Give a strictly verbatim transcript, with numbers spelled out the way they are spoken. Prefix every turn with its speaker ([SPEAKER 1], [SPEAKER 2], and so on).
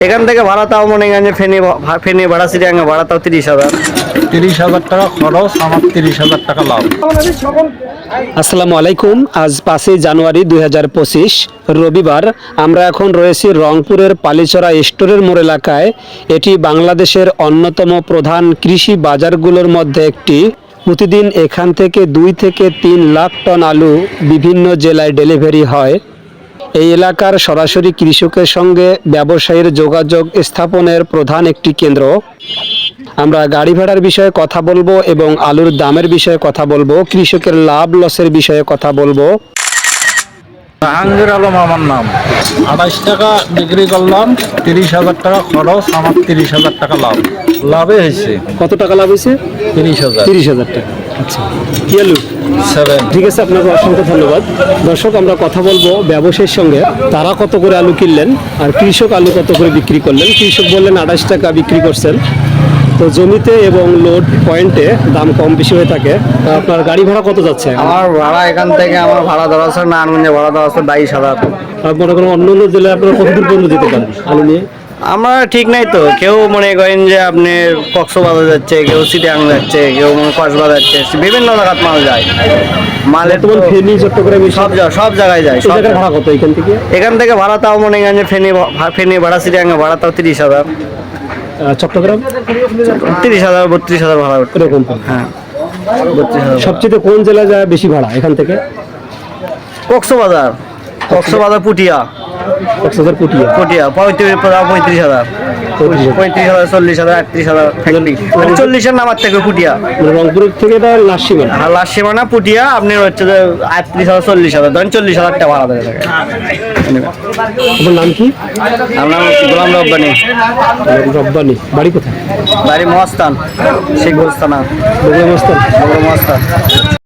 [SPEAKER 1] এখান থেকে ভাড়া তাও মনে করেন যে ফেনী ফেনী ভাড়া চিড়িয়াঙ্গা ভাড়া তাও তিরিশ হাজার
[SPEAKER 2] তিরিশ হাজার টাকা খরচ, আমার তিরিশ হাজার টাকা লাভ।
[SPEAKER 3] আসসালামু আলাইকুম। আজ পাঁচই জানুয়ারি দুই হাজার পঁচিশ রবিবার। আমরা এখন রয়েছি রংপুরের পালিচরা স্টোরের মোড় এলাকায়। এটি বাংলাদেশের অন্যতম প্রধান কৃষি বাজারগুলোর মধ্যে একটি। প্রতিদিন এখান থেকে দুই থেকে তিন লাখ টন আলু বিভিন্ন জেলায় ডেলিভারি হয়। এই এলাকার সরাসরি কৃষকের সঙ্গে ব্যবসায়ীর যোগাযোগ স্থাপনের প্রধান একটি কেন্দ্র। আমরা গাড়ি ভাড়ার বিষয়ে কথা বলবো এবং আলুর দামের বিষয়ে কথা বলবো, কৃষকের লাভ লসের বিষয়ে কথা বলবো।
[SPEAKER 2] জাহাঙ্গীর আলম আমার নাম। আড়াইশ টাকা বিক্রি করলাম, তিরিশ হাজার টাকা খরচ, আমার তিরিশ হাজার টাকা লাভ। লাভে হয়েছে।
[SPEAKER 3] কত টাকা লাভ হয়েছে?
[SPEAKER 2] তিরিশ হাজার।
[SPEAKER 3] তিরিশ হাজার টাকা। আচ্ছা, কি আলু?
[SPEAKER 2] সেভেন।
[SPEAKER 3] ঠিক আছে, আপনাকে অসংখ্য ধন্যবাদ। দর্শক, আমরা কথা বলবো ব্যবসায়ীর সঙ্গে। তারা কত করে আলু কিনলেন আর কৃষক আলু কত করে বিক্রি করলেন। কৃষক বললেন আড়াইশ টাকা বিক্রি করছেন। তো জমিতে এবং লোড পয়েন্টে দাম কম বেশি হয়ে থাকে। তা আপনার গাড়ি ভাড়া কত যাচ্ছে?
[SPEAKER 1] আমার ভাড়া এখান থেকে আমার ভাড়া দেওয়া আছে নারায়ণগঞ্জে ভাড়া দেওয়া আছে বাইশ হাজার।
[SPEAKER 3] আপনার কোনো অন্য অন্য জেলায় আপনারা কতদূর পর্যন্ত যেতে পারেন আলু নিয়ে?
[SPEAKER 1] আমরা ঠিক নাই তো, কেউ মনে করেন যে আপনি কক্সবাজার যাচ্ছে, কেউ চিটাং যাচ্ছে, কেউ কক্সবাজার যাচ্ছে, বিভিন্ন জায়গাত মাল যায়। মালের তো
[SPEAKER 3] বর্তমান ফেনী, চট্টগ্রাম
[SPEAKER 1] সব জায়গা সব জায়গায় যায়।
[SPEAKER 3] এই
[SPEAKER 1] সব
[SPEAKER 3] জায়গার
[SPEAKER 1] জায়গায়।
[SPEAKER 3] ভাড়া কত এখান থেকে?
[SPEAKER 1] এখান থেকে ভাড়া তাও মনে করেন যে ফেনী ফেনী ভাড়া চিটাঙ্গা ভাড়া তাও তিরিশ হাজার
[SPEAKER 3] আহ, চট্টগ্রাম
[SPEAKER 1] তিরিশ হাজার বত্রিশ হাজার ভাড়া উঠবে।
[SPEAKER 3] এরকম।
[SPEAKER 1] হ্যাঁ, বত্রিশ হাজার।
[SPEAKER 3] সবচেয়ে কোন জেলা যায় বেশি ভাড়া এখান থেকে?
[SPEAKER 1] কক্সবাজার কক্সবাজার পুটিয়া
[SPEAKER 3] কক্সবাজার পুটিয়া
[SPEAKER 1] পুটিয়া পঁয়ত্রিশ পঁয়ত্রিশ হাজার পঁয়ত্রিশ হাজার চল্লিশ হাজার আটত্রিশ হাজার চল্লিশের নামার থেকে পুটিয়া।
[SPEAKER 3] মানে রংপুরের থেকে এটা লাস্ট সীমানা।
[SPEAKER 1] আর লাস্ট সীমানা পুটিয়া আপনি হচ্ছে যে আটত্রিশ হাজার চল্লিশ হাজার ধরেন চল্লিশ হাজার টাকা ভাড়া দেবে থাকে।
[SPEAKER 3] আপনার নাম কি?
[SPEAKER 1] আমরা গোলাম রব্বানি।
[SPEAKER 3] রব্বানি। বাড়ি কোথায়?
[SPEAKER 1] বাড়ি মহাস্থান, শেখ গোস্তানা,
[SPEAKER 3] বগুড়া মস্তান।
[SPEAKER 1] বগুড়া মহাস্থান।